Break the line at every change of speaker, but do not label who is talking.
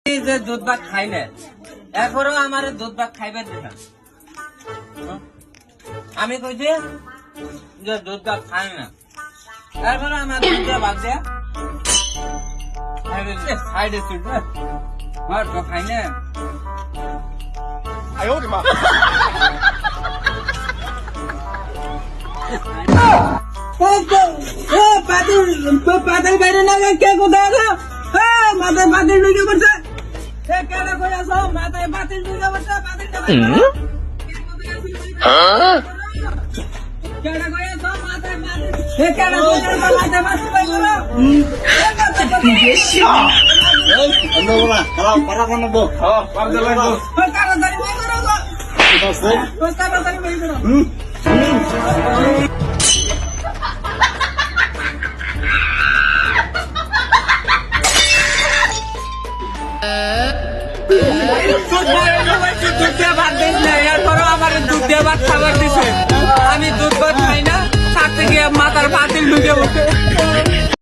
যে দুধ ভাত খাই না, এরপরেও আমার দুধ ভাত খাইবার দিলাম। আমি কইছি যে দুধ ভাত খাই না, এরপরে আমার দুধ ভাত দেয়া খাই দিচ্ছি, খাই না। পাতাল বাইরে না কে কোথায় আছো? মাথায় বাতিল ঢুকে পড়ছে, কেডা কই আছো? মাথায় বাতিল ঢুকে পড়ছে, বাতিলটা কেডা কই আছো? মাথায় বাতিল, কেডা কই আছো? মাথায় বাতিল বাই করো। তাড়াতাড়ি বাই করো, তাড়াতাড়ি বাই করো। দুধ দিয়ে ভাত দিস না, এরপরও আমার দুধ দিয়ে ভাত খাবার দিছে। আমি দুধ ভাত খাই না, তার থেকে মাথার বাতিল ঢুকে